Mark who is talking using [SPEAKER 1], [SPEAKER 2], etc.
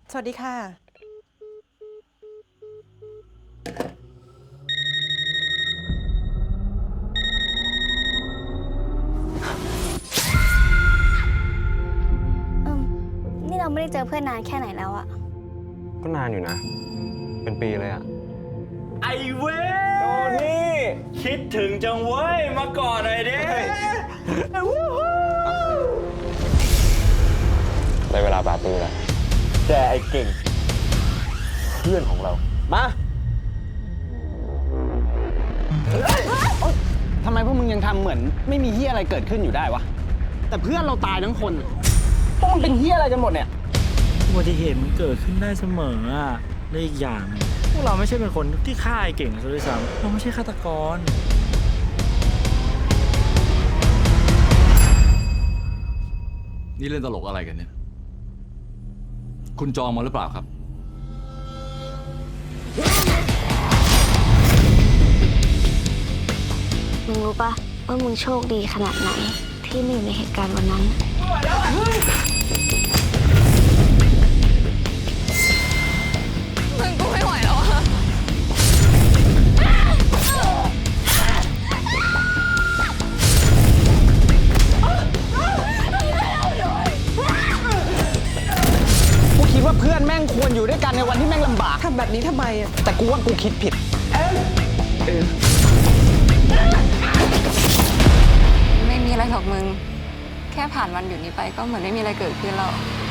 [SPEAKER 1] สวัสดีค่ะ
[SPEAKER 2] นี่เราไม่ได้เจอเพื่อนนานแค่ไหนแล้วอะ
[SPEAKER 3] ก็นานอยู่นะ เป็นปีเลยอะ
[SPEAKER 4] ไอเว้ยโทนี่คิดถึงจังเว้ยมาก่อนหน่อยดิ
[SPEAKER 3] ได้เวลาปาร์ตี้แล้ว
[SPEAKER 4] แต่ไอเก่งเพื่อนของเรา มา
[SPEAKER 5] ทำไมพวกมึงยังทำเหมือนไม่มีเฮียอะไรเกิดขึ้นอยู่ได้วะ แต่เพื่อนเราตายทั้งคนพวกมันเป็นเฮียอะไรกันหมดเนี่ย
[SPEAKER 6] อุบัติเหตุมันเกิดขึ้นได้เสมออ่ะและอีกอย่างพวกเราไม่ใช่เป็นคนที่ฆ่าไอ้เก่งซะด้วยซ้ำเราไม่ใช่ฆาตกร
[SPEAKER 7] นี่เล่นตลกอะไรกันเนี่ย คุณจองมาหรือเปล่าครับ
[SPEAKER 2] มึงรู้ปะว่ามึงโชคดีขนาดไหนที่ไม่อยู่ในเหตุการณ์วันนั้น
[SPEAKER 8] มึงกูไม่ไหวแล้วอะ
[SPEAKER 5] กูคิดว่าเพื่อนแม่งควรอยู่ด้วยกันในวันที่แม่งลำบาก
[SPEAKER 1] ทำแบบนี้ทำไมอ่ะ
[SPEAKER 5] แต่กูว่ากูคิดผิด
[SPEAKER 8] ไม่มีอะไรหรอกมึง แค่ผ่านวันหยุดนี้ไปก็เหมือนไม่มีอะไรเกิดขึ้นแล้ว